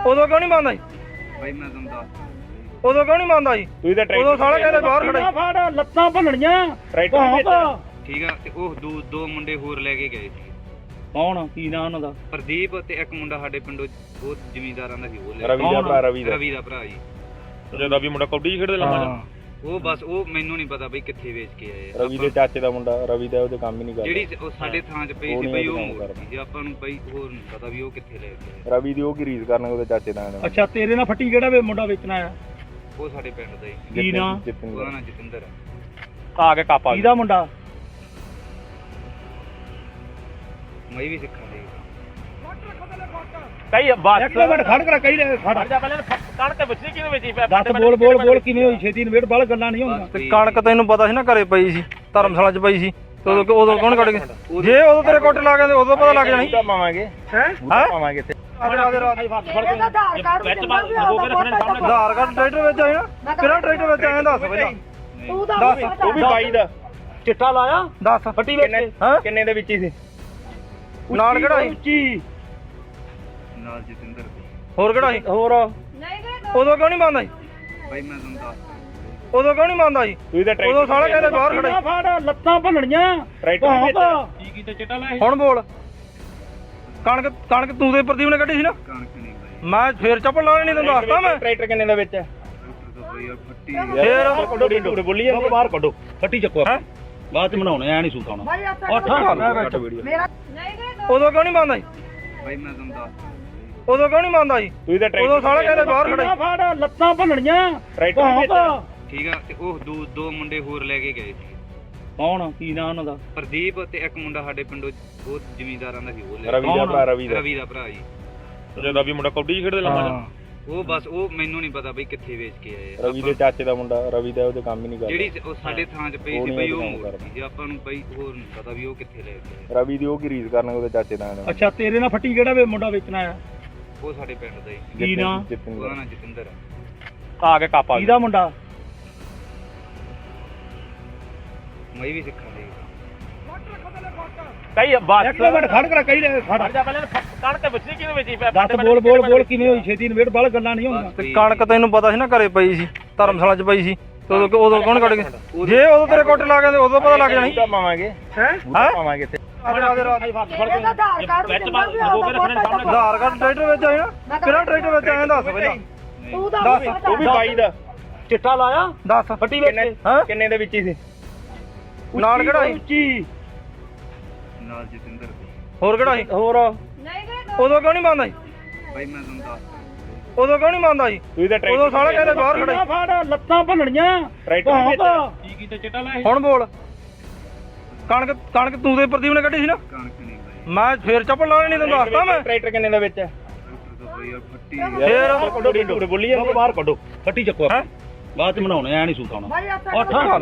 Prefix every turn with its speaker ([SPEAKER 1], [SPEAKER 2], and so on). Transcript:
[SPEAKER 1] ਉਦੋਂ ਕਿਉਂ ਨਹੀਂ ਮੰਨਦਾ ਜੀ?
[SPEAKER 2] ਬਾਈ ਮੈਂ ਤੁਹਾਨੂੰ ਦੱਸ
[SPEAKER 1] ਉਦੋਂ ਕਿਉਂ ਨਹੀਂ ਮੰਨਦਾ ਜੀ?
[SPEAKER 3] ਤੁਸੀਂ ਤਾਂ
[SPEAKER 1] ਉਦੋਂ ਸਾਲੇ ਕਹਿੰਦੇ ਬਾਹਰ ਖੜੇ
[SPEAKER 4] ਫੜ ਲੱਤਾਂ ਭੰਨਣੀਆਂ
[SPEAKER 3] ਟਰੈਕਟਰ
[SPEAKER 2] ਠੀਕ ਆ। ਤੇ ਉਹ ਦੋ ਮੁੰਡੇ ਹੋਰ ਲੈ ਕੇ ਗਏ ਸੀ।
[SPEAKER 4] ਕੌਣ ਕੀ ਨਾਂ ਉਹਨਾਂ ਦਾ?
[SPEAKER 2] ਪ੍ਰਦੀਪ ਤੇ ਇੱਕ ਮੁੰਡਾ ਸਾਡੇ ਪਿੰਡੋਂ ਉਹ ਜ਼ਿਮੀਂਦਾਰਾਂ ਦਾ ਸੀ। ਉਹ ਲੈ
[SPEAKER 3] ਰਵੀ ਦਾ ਭਰਾ
[SPEAKER 2] ਰਵੀ ਦਾ ਭਰਾ ਜੀ।
[SPEAKER 3] ਜਦੋਂ ਵੀ ਮੁੰਡਾ ਕਬੱਡੀ ਖੇਡਦੇ ਲੰਮਾ
[SPEAKER 2] ਉਹ ਬਸ ਉਹ ਮੈਨੂੰ ਨਹੀਂ ਪਤਾ ਬਈ ਕਿੱਥੇ ਵੇਚ ਕੇ ਆਏ ਆ।
[SPEAKER 3] ਰਵੀ ਦੇ ਚਾਚੇ ਦਾ ਮੁੰਡਾ ਰਵੀ ਦਾ ਉਹਦੇ ਕੰਮ ਹੀ ਨਹੀਂ ਕਰਦਾ।
[SPEAKER 2] ਜਿਹੜੀ ਉਹ ਸਾਡੇ ਥਾਂ 'ਚ ਪਈ ਸੀ ਬਈ ਉਹ ਮੋੜਤੀ ਸੀ। ਆਪਾਂ ਨੂੰ ਬਈ ਹੋਰ ਨਹੀਂ ਪਤਾ ਵੀ ਉਹ ਕਿੱਥੇ ਲੈ ਕੇ ਆਏ।
[SPEAKER 3] ਰਵੀ ਦੀ ਉਹ ਕੀ ਰੀਸ ਕਰਨ ਉਹਦੇ ਚਾਚੇ ਦਾ
[SPEAKER 4] ਅੱਛਾ ਤੇਰੇ ਨਾਲ ਫੱਟੀ ਕਿਹੜਾ ਵੇ ਮੁੰਡਾ ਵੇਚਣਾ ਆ?
[SPEAKER 2] ਉਹ ਸਾਡੇ ਪਿੰਡ ਦਾ ਹੀ।
[SPEAKER 4] ਕੀ ਨਾਂ?
[SPEAKER 2] ਉਹਦਾ ਨਾਂ ਜਤਿੰਦਰ
[SPEAKER 3] ਆ ਕੇ ਕਾਪਾ
[SPEAKER 4] ਕਿਹਦਾ ਮੁੰਡਾ?
[SPEAKER 2] ਮੈਂ ਵੀ ਸਿੱਖਾਂ ਦੇ
[SPEAKER 3] ਕਈ ਬਾਤ
[SPEAKER 4] ਇੱਕ ਮਿੰਟ ਖੜ ਕਰ ਕਹੀ ਰਹੇ ਖੜ
[SPEAKER 3] ਜਾ ਪਹਿਲੇ ਕਣਕ ਵਿਚਦੀ ਕਿਹਦੇ ਵਿੱਚ
[SPEAKER 4] ਦੱਸ ਬੋਲ ਕਿਵੇਂ ਹੋਈ ਛੇਤੀ ਨਵੇੜ ਬਾਲ ਗੱਲਾਂ ਨਹੀਂ ਹੋਣੀਆਂ।
[SPEAKER 1] ਤੇ ਕਣਕ ਤੈਨੂੰ ਪਤਾ ਸੀ ਨਾ ਘਰੇ ਪਈ ਸੀ, ਧਰਮਸ਼ਾਲਾ 'ਚ ਪਈ ਸੀ। ਤੇ ਉਦੋਂ ਕੌਣ ਕੱਢ ਗਿਆ? ਜੇ ਉਦੋਂ ਤੇਰੇ ਕੋਟੇ ਲਾ ਗਏ ਉਦੋਂ ਪਤਾ ਲੱਗ ਜਾਣੀ।
[SPEAKER 3] ਪਾਵਾਂਗੇ
[SPEAKER 1] ਹੈ
[SPEAKER 3] ਪਾਵਾਂਗੇ ਇੱਥੇ
[SPEAKER 1] ਆਧਾਰ ਕਾਰਡ ਟਰੈਕਟਰ ਵਿੱਚ ਆਏ ਨਾ? ਕਿਹੜਾ ਟਰੈਕਟਰ ਵਿੱਚ ਆਏ ਦੱਸ ਪਹਿਲਾਂ। ਦੱਸ
[SPEAKER 3] ਉਹ ਵੀ ਬਾਈ ਦਾ
[SPEAKER 4] ਚਿੱਟਾ ਲਾਇਆ
[SPEAKER 1] ਦੱਸ
[SPEAKER 4] ਫੱਟੀ ਵਿੱਚ
[SPEAKER 3] ਕਿੰਨੇ ਦੇ ਵਿੱਚ ਹੀ ਸੀ?
[SPEAKER 1] ਨਾਲ ਕਿਹੜਾ ਸੀ?
[SPEAKER 4] ਉੱਚੀ
[SPEAKER 2] ਨਾਲ ਜਤਿੰਦਰ ਦੇ।
[SPEAKER 1] ਹੋਰ ਕਿਹੜਾ ਸੀ?
[SPEAKER 4] ਹੋਰ
[SPEAKER 1] ਉਦੋਂ ਕਿਉਂ ਨਹੀਂ ਮੰਨਦਾ ਜੀ?
[SPEAKER 2] ਬਾਈ ਮੈਂ ਤੁਹਾਨੂੰ ਦੱਸ
[SPEAKER 1] ਉਦੋਂ ਕਿਉਂ ਨਹੀਂ ਮੰਨਦਾ ਜੀ?
[SPEAKER 3] ਤੁਸੀਂ ਤਾਂ
[SPEAKER 1] ਉਦੋਂ ਸਾਲੇ ਕਹਿੰਦੇ ਬਾਹਰ ਖੜੇ
[SPEAKER 4] ਫੜ ਲੱਤਾਂ ਭੰਨਣੀਆਂ
[SPEAKER 3] ਟਰੈਕਟਰ
[SPEAKER 4] ਕੀ ਕੀਤਾ ਚਿੱਟਾ ਲਾਇਆ?
[SPEAKER 1] ਹੁਣ ਬੋਲ। ਕਣਕ ਤੂੰ ਤੇ ਪ੍ਰਦੀਪ ਨੇ ਕੱਢੀ ਸੀ ਨਾ?
[SPEAKER 2] ਕਣਕ ਨਹੀਂ ਬਾਈ।
[SPEAKER 1] ਮੈਂ ਫੇਰ ਚੱਪਲ ਲਾਉਣੀ ਨਹੀਂ ਤੈਨੂੰ ਦੱਸਦਾ ਮੈਂ।
[SPEAKER 3] ਟਰੈਕਟਰ ਕਿੰਨੇ ਦਾ ਵਿੱਚ
[SPEAKER 2] ਡਾਕਟਰ ਤੋਂ ਬਈ ਫੱਟੀ
[SPEAKER 1] ਫੇਰ
[SPEAKER 3] ਕੱਢੋ ਬੋਲੀ ਜਾਂਦੇ
[SPEAKER 4] ਬਾਹਰ ਕੱਢੋ ਫੱਟੀ ਚੱਕੋ ਬਾਅਦ ਚ ਬਣਾਉਣੇ ਐ ਨਹੀਂ ਸੁਣਾਉਣਾ।
[SPEAKER 1] ਉਦੋਂ ਕਿਉਂ ਨਹੀਂ ਮੰਨਦਾ ਜੀ?
[SPEAKER 2] ਬਾਈ ਮੈਂ ਤੁਹਾਨੂੰ ਦੱਸ
[SPEAKER 1] ਉਦੋਂ ਕਿਉਂ ਨਹੀਂ ਮੰਨਦਾ ਜੀ?
[SPEAKER 3] ਤੁਸੀਂ ਤਾਂ
[SPEAKER 1] ਉਦੋਂ ਸਾਲੇ ਕਹਿੰਦੇ ਬਾਹਰ ਖੜੇ
[SPEAKER 4] ਫੜ ਲੱਤਾਂ ਭੰਨਣੀਆਂ
[SPEAKER 3] ਟਰੈਕਟਰ
[SPEAKER 2] ਠੀਕ ਆ। ਤੇ ਉਹ ਦੋ ਮੁੰਡੇ ਹੋਰ ਲੈ ਕੇ ਗਏ ਸੀ।
[SPEAKER 4] ਕੌਣ ਕੀ ਨਾਂ ਉਹਨਾਂ ਦਾ?
[SPEAKER 2] ਪ੍ਰਦੀਪ ਤੇ ਇੱਕ ਮੁੰਡਾ ਸਾਡੇ ਪਿੰਡੋਂ ਉਹ ਜ਼ਿਮੀਂਦਾਰਾਂ ਦਾ ਸੀ। ਉਹ ਲੈ
[SPEAKER 3] ਰਵੀ ਦਾ ਭਰਾ
[SPEAKER 2] ਰਵੀ ਦਾ ਭਰਾ ਜੀ।
[SPEAKER 3] ਜਦੋਂ ਵੀ ਮੁੰਡਾ ਕਬੱਡੀ ਖੇਡਦੇ ਲੰਮਾ
[SPEAKER 2] ਉਹ ਬਸ ਉਹ ਮੈਨੂੰ ਨਹੀਂ ਪਤਾ ਬਈ ਕਿੱਥੇ ਵੇਚ ਕੇ ਆਏ ਆ।
[SPEAKER 3] ਰਵੀ ਦੇ ਚਾਚੇ ਦਾ ਮੁੰਡਾ ਰਵੀ ਦਾ ਉਹਦੇ ਕੰਮ ਹੀ ਨਹੀਂ ਕਰਦਾ।
[SPEAKER 2] ਜਿਹੜੀ ਉਹ ਸਾਡੇ ਥਾਂ 'ਚ ਪਈ ਸੀ ਬਈ ਉਹ ਮੋੜਤੀ ਸੀ। ਆਪਾਂ ਨੂੰ ਬਈ ਹੋਰ ਨਹੀਂ ਪਤਾ ਵੀ ਉਹ ਕਿੱਥੇ ਲੈ ਕੇ ਆਏ।
[SPEAKER 3] ਰਵੀ ਦੀ ਉਹ ਕੀ ਰੀਸ ਕਰਨ ਉਹਦੇ ਚਾਚੇ ਦਾ
[SPEAKER 4] ਅੱਛਾ ਤੇਰੇ ਨਾਲ ਫੱਟੀ ਕਿਹੜਾ ਵੇ ਮੁੰਡਾ ਵੇਚਣਾ ਆ?
[SPEAKER 2] ਉਹ ਸਾਡੇ ਪਿੰਡ ਦਾ ਹੀ।
[SPEAKER 4] ਕੀ ਨਾਂ?
[SPEAKER 2] ਉਹਦਾ ਨਾਂ ਜਤਿੰਦਰ
[SPEAKER 3] ਆ ਕੇ ਕਾਪਾ
[SPEAKER 4] ਕਿਹਦਾ ਮੁੰਡਾ?
[SPEAKER 2] ਮੈਂ ਵੀ ਸਿੱਖਾਂ ਦੇ
[SPEAKER 3] ਕਈ ਬਾਤ
[SPEAKER 4] ਇੱਕ ਮਿੰਟ ਖੜ ਕਰ ਕਹੀ ਰਹੇ ਖੜ
[SPEAKER 3] ਜਾ ਪਹਿਲੇ ਕਣਕ ਵਿਚਦੀ ਕਿਹਦੇ ਵਿੱਚ
[SPEAKER 4] ਦੱਸ ਬੋਲ ਕਿਵੇਂ ਹੋਈ ਛੇਤੀ ਨਵੇੜ ਬਾਲ ਗੱਲਾਂ ਨਹੀਂ ਹੋਣੀਆਂ।
[SPEAKER 1] ਤੇ ਕਣਕ ਤੈਨੂੰ ਪਤਾ ਸੀ ਨਾ ਘਰੇ ਪਈ ਸੀ, ਧਰਮਸ਼ਾਲਾ 'ਚ ਪਈ ਸੀ। ਤੇ ਉਦੋਂ ਕੌਣ ਕੱਢ ਗਿਆ? ਜੇ ਉਦੋਂ ਤੇਰੇ ਕੋਟੇ ਲਾ ਗਏ ਉਦੋਂ ਪਤਾ ਲੱਗ ਜਾਣੀ।
[SPEAKER 3] ਪਾਵਾਂਗੇ
[SPEAKER 1] ਹੈ
[SPEAKER 3] ਪਾਵਾਂਗੇ ਇੱਥੇ
[SPEAKER 1] ਆਧਾਰ ਕਾਰਡ ਟਰੈਕਟਰ ਵਿੱਚ ਆਏ ਨਾ? ਕਿਹੜਾ ਟਰੈਕਟਰ ਵਿੱਚ ਆਏ ਦੱਸ ਪਹਿਲਾਂ। ਦੱਸ
[SPEAKER 3] ਉਹ ਵੀ ਬਾਈ ਦਾ
[SPEAKER 4] ਚਿੱਟਾ ਲਾਇਆ
[SPEAKER 1] ਦੱਸ
[SPEAKER 4] ਫੱਟੀ ਵਿੱਚ
[SPEAKER 3] ਕਿੰਨੇ ਦੇ ਵਿੱਚ ਹੀ ਸੀ?
[SPEAKER 1] ਨਾਲ ਕਿਹੜਾ ਸੀ?
[SPEAKER 4] ਉੱਚੀ
[SPEAKER 2] ਨਾਲ ਜਤਿੰਦਰ ਦੇ।
[SPEAKER 1] ਹੋਰ ਕਿਹੜਾ ਸੀ?
[SPEAKER 4] ਹੋਰ
[SPEAKER 1] ਉਦੋਂ ਕਿਉਂ ਨਹੀਂ ਮੰਨਦਾ ਜੀ?
[SPEAKER 2] ਬਾਈ ਮੈਂ ਤੁਹਾਨੂੰ ਦੱਸ
[SPEAKER 1] ਉਦੋਂ ਕਿਉਂ ਨਹੀਂ ਮੰਨਦਾ ਜੀ?
[SPEAKER 3] ਤੁਸੀਂ ਤਾਂ
[SPEAKER 1] ਉਦੋਂ ਸਾਲੇ ਕਹਿੰਦੇ ਬਾਹਰ ਖੜੇ
[SPEAKER 4] ਫੜ ਲੱਤਾਂ ਭੰਨਣੀਆਂ
[SPEAKER 3] ਟਰੈਕਟਰ
[SPEAKER 4] ਕੀ ਕੀਤਾ ਚਿੱਟਾ ਲਾਇਆ?
[SPEAKER 1] ਹੁਣ ਬੋਲ। ਕਣਕ ਤੂੰ ਤੇ ਪ੍ਰਦੀਪ ਨੇ ਕੱਢੀ ਸੀ ਨਾ?
[SPEAKER 2] ਕਣਕ ਨਹੀਂ ਬਾਈ।
[SPEAKER 1] ਮੈਂ ਫੇਰ ਚੱਪਲ ਲਾਉਣੀ ਨਹੀਂ ਤੈਨੂੰ ਦੱਸਦਾ ਮੈਂ।
[SPEAKER 3] ਟਰੈਕਟਰ ਕਿੰਨੇ ਦਾ ਵਿੱਚ
[SPEAKER 2] ਡਾਕਟਰ ਤੋਂ ਬਈ ਫੱਟੀ
[SPEAKER 1] ਫੇਰ
[SPEAKER 3] ਬੋਲੀ ਜਾਂਦੇ
[SPEAKER 4] ਬਾਹਰ ਕੱਢੋ ਫੱਟੀ ਚੱਕੋ ਬਾਅਦ ਚ ਬਣਾਉਣੇ ਐ ਨਹੀਂ ਸੁਣਾਉਣਾ।